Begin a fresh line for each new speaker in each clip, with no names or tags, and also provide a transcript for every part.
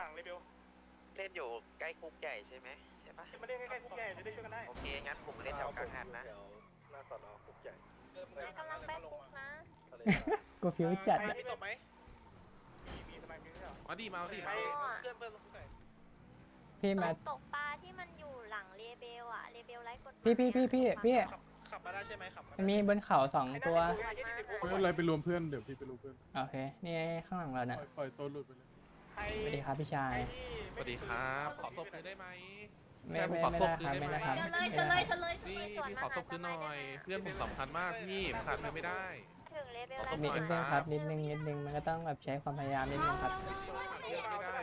หลังเลยเบล
เล่นอยู่ใกล้คุกใหญ่ใช่ไหมใช่ปะ
มาเล่นใกล้ๆคุกใหญ่จะได้ช่วยกันได้
โอเคงั้นผมเล่นแถวกลางหันนะ
หน้าสอนอคุกใหญ่
กำลังไปคุกนะ
กูฟิวจัด
ใคร
อะ
ที่ตกไหมมีสมัยมีเหรอ
มาดิมาดิ
ใคร
เพื่อน
พี่มา
ตกปลาที่มันอยู่หลังเรเบลอะเรเบลไร้กฎหมาย
พี่
ขับมาได้ใช่ไหมขับ
มันมีบนเขา2 ตัว
ไม่เป็นไรไปรวมเพื่อนเดี๋ยวพี่ไปรวมเพื่อน
โอเค นี่ไงข้างหลังเราเนี่ย
ปล่อยตัวหลุดไปเลย
สวัสดีครับพี่ชาย
สวัสดีครับขอศพคืนได้ไหม
ไม่ได้ครับไม่ได้ครับ
เฉลย
พี่พี่ขอศพคืนหน่อย เพื่อนผมสำคัญมากพี่ขาดไปไม่ได้
ถึงเรเบลไร้
นิ
ก
ด
ฎห
นึ
มาง ย
ครับนิดนึงมันก็ต้องแบบใช้ความพยายามนิดนึงครับ
ไม่ได้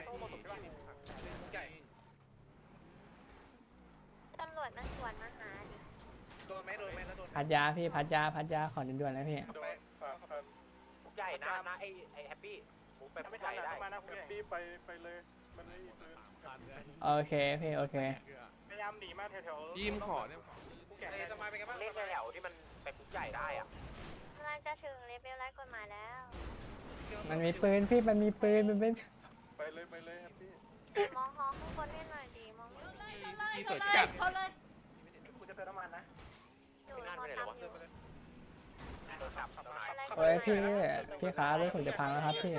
ตำรวจมันสวนมาหาดิ
โดนไหมแล้วโดน
พัดยาพี่พัดยาขอด่วนๆเลยพี่
คุกใหญ่นะไอแฮปปี้ผมไปคุ
ไม่
กให
ทัน
ญ่ได้
มานะคุกใหญ่
พี่ไปเลยมันไม่มีปืน
โอเคพี่โอเค
พยายามหนีมาแถวๆ
ยิ้มขอเนี่ย
คุกใหญ่สมัยเป็นไงบ้าง
เล่นแถวที่มันไปคุกใหญ่ได้อะ
กำลังจะถึงเรเบลไร้กฎหมายแล้ว
มันมีปืนพี่มันมีปืนมันเป็น
ไปเลยครับพี่
มองฮอข้างบนให้หน่อยดิมองไม่เห็น
พี่สวยจัด
กูจะเติมน้ำมันนะ
อยู่ฮอทำอยู่
โดนจับทำไม
โอ้ยพี่ครับรถผมจะพังแล้วครับพี่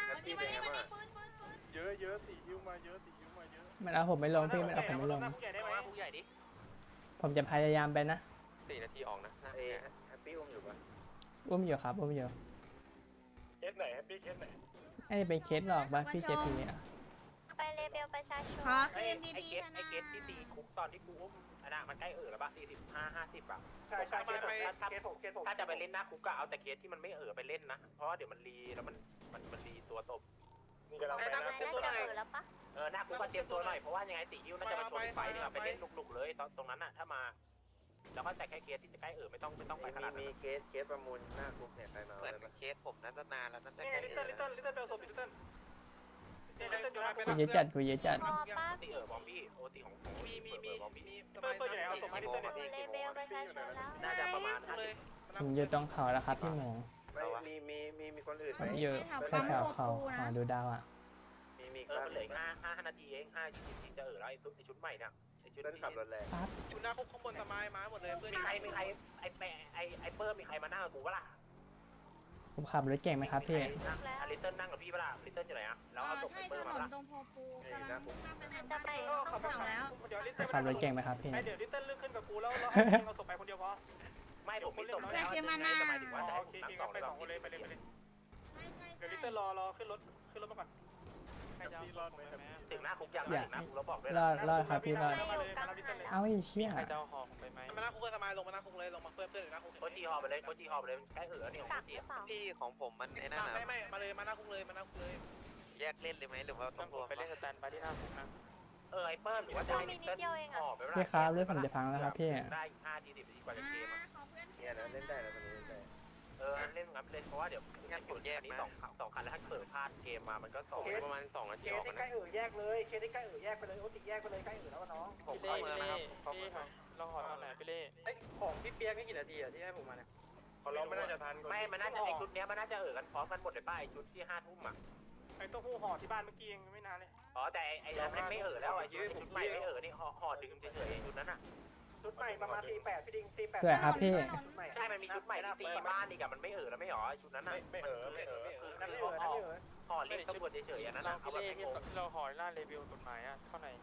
เยอะสี่ยิ้วมาเยอะ
มันเอาผมไม่ลงพี่มันเอาผมไม่ลง
คุกใหญ่ได้ไหม
คุกใหญ่ดิ
ผมจะพยายามไปนะ
4 นาทีออกนะแฮปปี้อุ้มอยู่ปะ
อุ้มอยู่ครับอุ้มอยู่
เคสไหนแฮปปี้เคสไหน
ไอ้เป็นเคสหลอกบ้าพี่เจพีอ่ะ
ไปเรเบลประชาชน
ไอเกตที่ตีคุกตอนที่กูอุ้มอันน่ะมันใกล้แล้วปะ45-50อ่ะ
ใช่เคสผม
ถ้าจะไปเล่นหน้าคุกก็เอาแต่เคสที่มันไม่ไปเล่นนะเพราะว่าเดี๋ยวมันรีแล้วมันรีตัวตบ
นี่กำลังไป
ทำ
นะ
ไมน่าจะแล้วปะ
หน้าคุกก็เตรียมตัวหน่อยเพราะว่ายังไงตีฮิ้วน่าจะมาชนไฟนี่ไปเล่นลุกๆเลยตรงนั้นน่ะถ้ามาแล้วก็แต่แค่เคสที่จะใกล้ไม่ต้องไปขนาดนั้นมีเคสประมูลหน้าคุกเนี่ยใครมาเหมือนเคสผมน่าจะนานแล้วน่าจะ
นี่
ใกล้
ลิตเติ้ลเบลศพลิตเติ้ล
กูเยอะจัดกูเยอะจัด
พอป้า
ตีบอมบี้โอตีของบอมบี้
เปิดอยู่ไหนเอาศพมาลิตเติ้ล
เรเบลประชาชนแล้ว
น่าจะประมาณ50
ผมอยู่ตรงเขาแล้วครับพี่หมู
มีคนอื่น
ผมอยู่แถวเขาดูดาวอ่ะ
มีมันเหลือ5 นาทีเอง5 20จะแล้วไอชุดใหม่เนี่ยไอชุดที่ขับรถแรง
ชุดหน้าคุกข้างบนสมัยมาหมดเลยเพื่อน
มีใครไอเปิ้ลมีใครมานั่งกับกูปะล่ะ
ผมขับรถเก่งไหมครับพี่
ลิตเติ้ลนั่งกับพี่ปะล่ะลิตเติ้ลอยู่ไหนอะแล้วเอาศพไอเปิ้ลมาปะล่ะ
จะไป
ขับ
ข้างฝั่งแล้ว
เดี๋ยวลิตเติ้ล
ขับรถเก่งไหมครับพี่
เดี๋ยวลิตเติ้ลเลื่อนขึ้นกับกูแล้วเราศพไปคนเดียวพอ
ไม่ผมมีศพแล้วจะหมายถึงว่าจะให้ผมนั่ง2
ไป
เลย
2คนเลยไปเลยเดี๋ยวลิตเติ้ลรอขึ้นรถมาก่อนใครจะรอดไหม
ถึงหน้าคุกยังถึงหน้าคุกแล้วบอกด้วย
รอดครับพี่รอด
มาเลยมาลิตเติ้ลเลย
เอาไอ้เชี่ย
ใครจะห่อผมไปไหมมาหน้าคุกเลยสมัยลงมาหน้าคุกเลยลงมาเพื่อนอยู่หน้าคุก
โคจีฮอไปเลยใกล้นี่ของ
ตั
โค
กห
จี
รือเปล่า
ที่ของผมมันไอ้นั่น
ไม่มาเลยมาหน้าคุกเลย
แยกเล่นเลยไหมหรือว่าต้องรวม
ไปเล่นสแตนไปที่หน้าคุกนะ
ไอเปิ้ลหรือว่าจะให้ลิตเติ้ลห่อไป
พี่ครับรถผมจะพังแล้วครับพี่
ได้5 ที 10 นาทีกว่าจะเกมอ่ะเนี่ยนะเล่นได้แล้วตอนนี้เล่นได้เล่นงั้นเล่นเพราะว่าเดี๋ยวงั้นผมแยกนี้2 คันแล้วถ้าเกิดพลาดเกมมามันก็2ประมาณ2 นาที
เค
อ
ส
อก
ที่
นะ
ใกล้แยกเลยเคสที่ใกล้แยกไปเลยโอติแยกไปเลยใกล้แล้วน้อง
ผมเข้าเมืองนะครับ
พี่เราห่อตอนไหนพี่เล่ของพี่เปียกนี่กี่นาทีอะที่ให้ผมมาเนี่ยเขาเราไม่น่าจะทัน
ไม่มันน่าจะไอชุดเนี้ยมันน่าจะกันพร้อมกันหมดเลยป่ะไอชุดที่5 ทุ่มอ่ะ
ไอ้เต้าหู้ห่อที่บ้านเมื่อกี้ยังไม่นานเลย
แต่ไอ้นั้นไม่แล้วไอ้ชุดใหม่ไม่นี่ห่อดึงเฉยๆชุดนั้นอ่ะ
ชุดใหม่ประมาณ48พี่ดิง48
สวยครับพี่
ใช่มันมีชุดใหม่ที่ตีบ้านอีกอะมันไม่แล้วไม่หรอชุดนั้นอ่ะไม่นั่นคือห่อเล่นตำรวจเฉยๆอันนั้นเอาแบบไม่งง
เราห่อหน้าเลเวลกฎหมายอะเท่าไหร่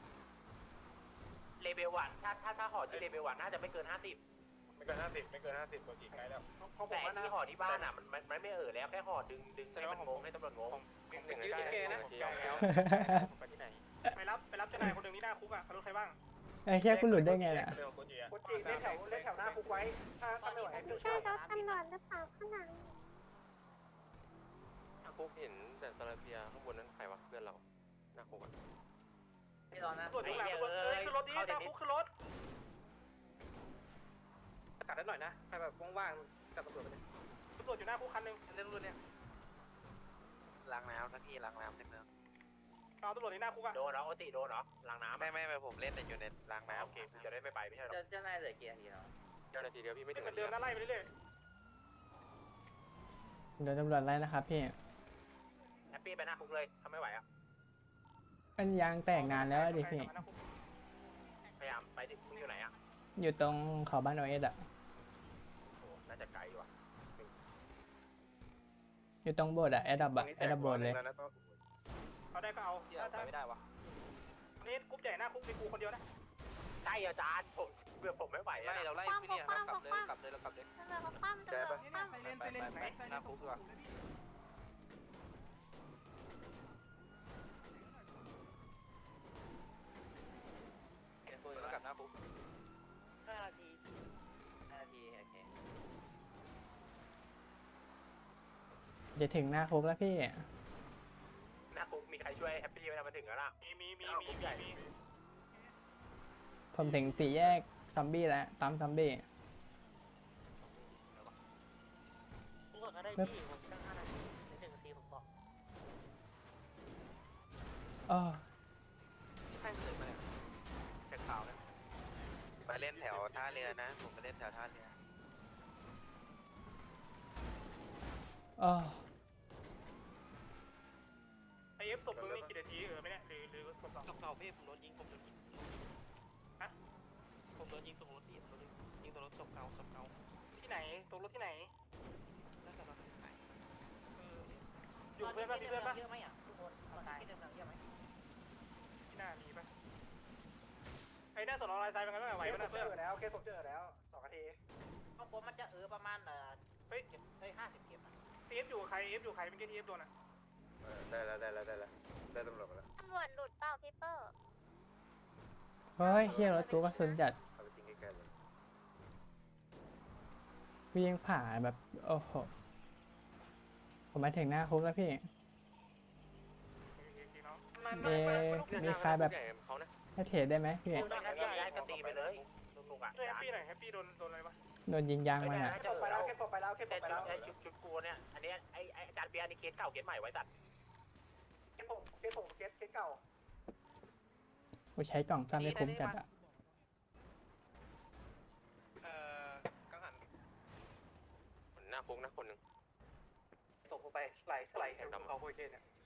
เลเวลวันถ้าห่อที่เลเวลวันน่าจะไม่เกิน50
ไม่เกิน50ตัวกี่ไกลแล้ว
แต่ที่ห่อที่บ้านอ่ะมันไม่แล้วแค่ห่อดึงให้มันงงให้ตำรวจงง
ยืดเกนะแล้วไปที่ไหนไปรับเจ้านายคนหนึ่งที่หน้าคุกอะเขารู้ใครบ้าง
ไอ้แค่กูหลุดได้ไงเนี่ย
คนจีเล่นแถวหน้าคุกไว้ถ้าไม่ไหว
ใช่รถตำรวจหรือเปล่าข้างหลัง
คุกเห็นแต่ซาลาเปียข้างบนนั้นใครวะเพื่อนเราหน้าคุกอ่ะ
ไม่รอนะตรวจอยู่หลังขึ้นรถนี้หน้าคุกขึ้นรถกัดได้หน่อยนะใครแบบว่างๆกับตำรวจไปเลยตำรวจอยู่หน้าคุกคันหนึ่งเล่นรุ่นเนี่ย
ล้างน้ำสักทีล้างน้ำในเมือง
เอาตำรวจในหน้าคุกอะ
โดนเหรอโอติโดนเหรอล้างน้ำไม่ผมเล่นอยู่ในล้างน้ำโอเคจะได้ไม่ใช่หรอ
จะน่าจะเกียร์ทีเนาะ
เจ้าหน้าที่เดียวพี่ไม่ถึง
เดิมน่าไล่ไปเรื่อย
เดี๋ยวตำรวจไล่นะครับพี่
แฮปปี้ไปหน้าคุกเลยทำไม่ไหวอ่ะ
มันยางแตกนานแล้วดิพี่
พยายามไปดิมึงอยู่ไหนอ่ะ
อยู่ตรงเขาบ้านโอเอสอะ
โอ้น่าจะไกลว่ะ
อยู่ตรงโบสถ์อะแอดดับอะแอดดับโบสถ์เลย
เอาได้ก็เอา
เที่ยวไปไม่ได้วะ
นี่กรุ๊ปใหญ่หน้าคุกมีกูคนเดียวนะ
ใช่อาจารย์ผมไม่ไหวอ่ะเราไล่พี่เนี่ยเรากลับเลยเรากลับเลย
ตำรวจเขาคว่ำตำรวจเขาคว่ำ
ไซเลนหน้าคุกดีกว่า
เห็นปืนแล้วกลับหน้าปุ๊บ5 นาทีโอเค
จะถึงหน้าคุกแล้วพี่
หน้าปุ๊บมีใครช่วยแฮปปี้ไหมนะมาถึงแล้วล่ะ
มี
ผมถึงสี่แยกซอมบี้แล้วปั๊มซอมบี้
พูดก็ได้พี่ผมตั้ง5 นาทีใน1 นาทีผมบอก
อ้อ
ใช่เลยมาเนี่ยแค่ข่าวนะไปเล่นแถวท่าเรือนะผมไปเล่นแถวท่าเรือ
อ้อ
ไอเอฟตบมึงนี่กี่นาทีไม่เนี่ยหรือตบสอง
ศพเก่าพี่ผมโดนยิงผมโดนยิง
ฮะ
ผมโดนยิงตรงรถที่ยิงตรงรถศพเก่า
ที่ไหนตรงรถที่ไหน
น่าจะมาไหน
อยู่เพื่อนป่ะพี่เพื่อนป่ะ
เยอะไหมอ่ะทุกคนตอนที่เดิมเยอะไหม
ที่หน้ามีป่ะไอ้หน้าสอนอลายทรายเป็นไงบ้างไหวป่ะนะเพื่อน
แล้วเคสผมเจอแล้ว2 นาที
ข้างบนมันจะประมาณ
เฮ้ย
50 เก็บอ่ะ
เอฟอยู่ใครเอฟอยู่ใครเป็นที่เอฟโดนอ่ะ
ได้แล้วได้ตำรวจมาแล้ว
ตำรวจหลุดเปล่าพี่เปอร์
เฮ้ยเฮียรถตู้กระสุนจัด
เอาไปทิ้งใกล้ๆเลย
วิ่งผ่าแบบโอ้โหผมมาถึงหน้าคุกแล้วพี่ มีใครแบบให้เทรดได้ไหมพี่
ต้องแฮปปี้ย้ายก็ตีไปเลยลุงอ่ะ
ช่วยแฮปปี้หน่อยแฮปปี้โดนอะไรปะ
โดนยิงยางมาอะ
แค่ไปแล้วไอ้ชุดกูเนี่ยอันนี้ไอ้อาจารย์เบียร์นี่เคสเก่าเคสใหม่ไว้ตัดเคสเก่า
กูใช้กล่องซ่อมไม่คุ้มจัดอะ
กังหันหน้าคุกนะคนหนึ่งตกลงไปสไลด์แถวดำ
เขาโคเคนเนี่ย